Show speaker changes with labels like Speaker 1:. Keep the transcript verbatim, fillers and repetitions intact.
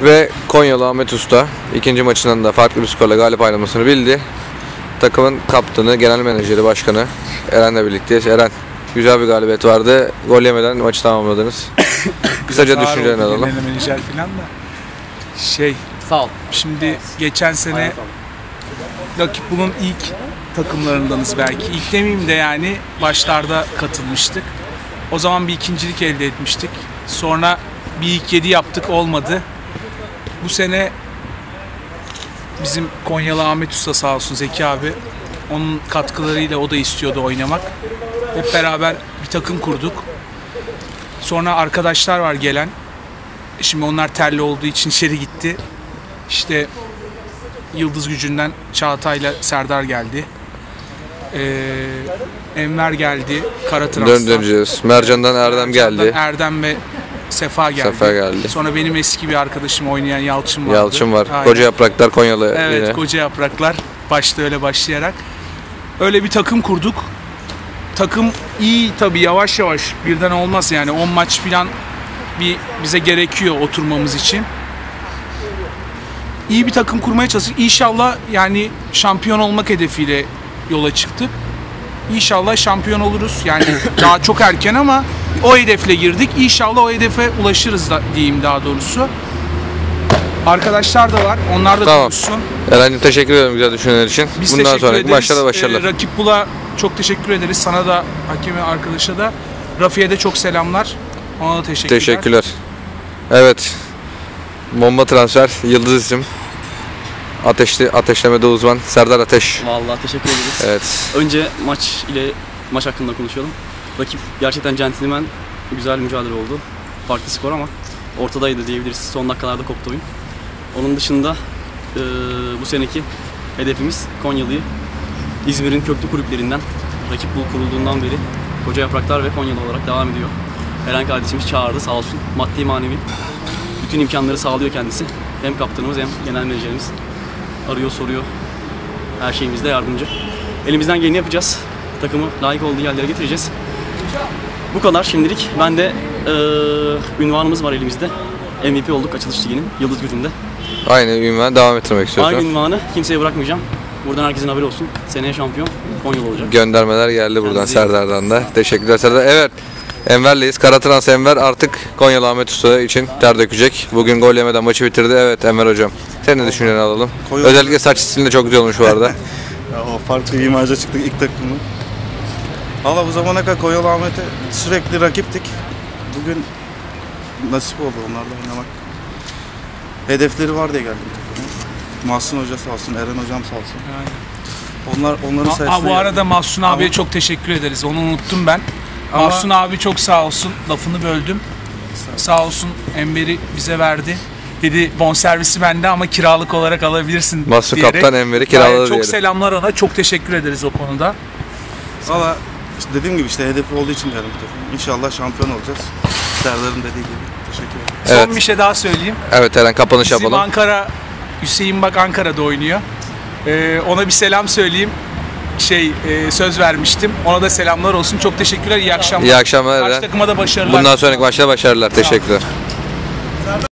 Speaker 1: Ve Konyalı Ahmet Usta ikinci maçından da farklı bir skorla galip ayrılmasını bildi. Takımın kaptanı, genel menajeri, başkanı Eren'le birlikteyiz. Eren, güzel bir galibiyet vardı. Gol yemeden maçı tamamladınız. Kısaca düşüncelerini alalım.
Speaker 2: Genel menajer falan da. Şey,
Speaker 3: Sağ ol.
Speaker 2: şimdi geçen sene rakip bunun ilk takımlarındanız belki. İlk demeyeyim de yani başlarda katılmıştık. O zaman bir ikincilik elde etmiştik. Sonra bir ilk yedi yaptık, olmadı. Bu sene bizim Konyalı Ahmet Usta sağ olsun, Zeki abi, onun katkılarıyla o da istiyordu oynamak. Hep beraber bir takım kurduk. Sonra arkadaşlar var gelen. Şimdi onlar terli olduğu için içeri gitti. İşte Yıldız Gücü'nden Çağatay'la Serdar geldi. Ee, Enver geldi. Karatrans'tan.
Speaker 1: Döndüreceğiz. Mercan'dan Erdem geldi.
Speaker 2: Erdem ve Sefa geldi.
Speaker 1: Sefa geldi.
Speaker 2: Sonra benim eski bir arkadaşım oynayan Yalçın vardı.
Speaker 1: Yalçın var.
Speaker 2: Aynen.
Speaker 1: Koca Yapraklar Konyalı
Speaker 2: Evet,
Speaker 1: yine.
Speaker 2: Koca Yapraklar. Başta öyle başlayarak. Öyle bir takım kurduk. Takım iyi tabii, yavaş yavaş birden olmaz yani. on maç falan bir bize gerekiyor oturmamız için. İyi bir takım kurmaya çalıştık. İnşallah yani şampiyon olmak hedefiyle yola çıktık. İnşallah şampiyon oluruz. Yani daha çok erken ama o hedefle girdik. İnşallah o hedefe ulaşırız da diyeyim daha doğrusu. Arkadaşlar da var. Onlar da
Speaker 1: Tamam.
Speaker 2: konuşsun.
Speaker 1: Eren'cim teşekkür ederim güzel düşünceler için.
Speaker 2: Biz
Speaker 1: Bundan
Speaker 2: teşekkür
Speaker 1: sonraki
Speaker 2: ederiz.
Speaker 1: maçlarda başarılar.
Speaker 2: Ee, Rakip Bul'a çok teşekkür ederiz. Sana da, hakeme, arkadaşa da. Rafi'ye de çok selamlar. Ona da teşekkürler.
Speaker 1: Teşekkürler. Evet. Bomba transfer, yıldız isim. Ateşli, ateşlemede uzman Serdar Ateş.
Speaker 3: Vallahi teşekkür ederiz.
Speaker 1: Evet.
Speaker 3: Önce maç ile maç hakkında konuşalım. Rakip gerçekten centilmen, güzel mücadele oldu. Farklı skor ama ortadaydı diyebiliriz. Son dakikalarda koptu oyun. Onun dışında e, bu seneki hedefimiz Konyalı'yı İzmir'in köklü kulüplerinden, Rakip Bul kurulduğundan beri Koca Yapraklar ve Konyalı olarak devam ediyor. Eren kardeşimiz çağırdı sağ olsun. Maddi manevi bütün imkanları sağlıyor kendisi. Hem kaptanımız hem genel menajerimiz. Arıyor, soruyor. Her şeyimizde yardımcı. Elimizden geleni yapacağız. Takımı layık olduğu yerlere getireceğiz. Bu kadar şimdilik. Ben de e, ünvanımız var elimizde. M V P olduk açılış liginin Yıldız Gücü'nde.
Speaker 1: Aynı ünvan devam ettirmek istiyorsun.
Speaker 3: Aynı ünvanı kimseye bırakmayacağım. Buradan herkesin haberi olsun. Seneye şampiyon Konyalı olacak.
Speaker 1: Göndermeler geldi buradan
Speaker 3: Kendinize
Speaker 1: Serdar'dan da. Teşekkürler Serdar. Evet. Enver'leyiz. Karatrans Enver artık Konyalı Ahmet Usta için ter dökecek. Bugün gol yemeden maçı bitirdi. Evet Enver hocam. Senin de düşünceni alalım.
Speaker 4: Konyalı-
Speaker 1: Özellikle saç stilinde çok güzel olmuş bu arada.
Speaker 4: Ya o farklı imaja çıktık ilk takımı. Valla bu zamana kadar Konyalı Ahmet'e sürekli rakiptik. Bugün nasip oldu onlarla oynamak. Hedefleri var diye geldim takıma. Mahsun Hoca sağ olsun, Eren Hocam sağ olsun.
Speaker 2: Aynen.
Speaker 4: Onlar onların
Speaker 2: Ha,
Speaker 4: sayesinde.
Speaker 2: bu arada Mahsun abiye
Speaker 4: Ama-
Speaker 2: çok teşekkür ederiz. Onu unuttum ben.
Speaker 4: Ama-
Speaker 2: Mahsun abi çok sağ olsun. Lafını böldüm. Sağ olsun, Enver'i bize verdi. Dedi bonservisi bende ama kiralık olarak alabilirsin
Speaker 1: Mahsun
Speaker 2: diyerek.
Speaker 1: kaptan Enver'i
Speaker 2: Gayet
Speaker 1: kiraladı
Speaker 2: Çok
Speaker 1: diyelim.
Speaker 2: selamlar ona. Çok teşekkür ederiz o konuda.
Speaker 4: Valla işte dediğim gibi işte hedefi olduğu için geldim takıma. İnşallah şampiyon olacağız. Serdar'ın dediği gibi. Teşekkür ederim.
Speaker 1: Evet.
Speaker 2: Son bir şey daha söyleyeyim.
Speaker 1: Evet Eren kapanış
Speaker 2: Bizim
Speaker 1: yapalım.
Speaker 2: Ankara, Hüseyin bak Ankara'da oynuyor. Ee, ona bir selam söyleyeyim. Şey e, söz vermiştim. Ona da selamlar olsun. Çok teşekkürler. İyi akşamlar.
Speaker 1: İyi akşamlar
Speaker 2: Karşı
Speaker 1: Eren.
Speaker 2: takıma da başarılar.
Speaker 1: Bundan sonraki maçta başarılar. Teşekkürler.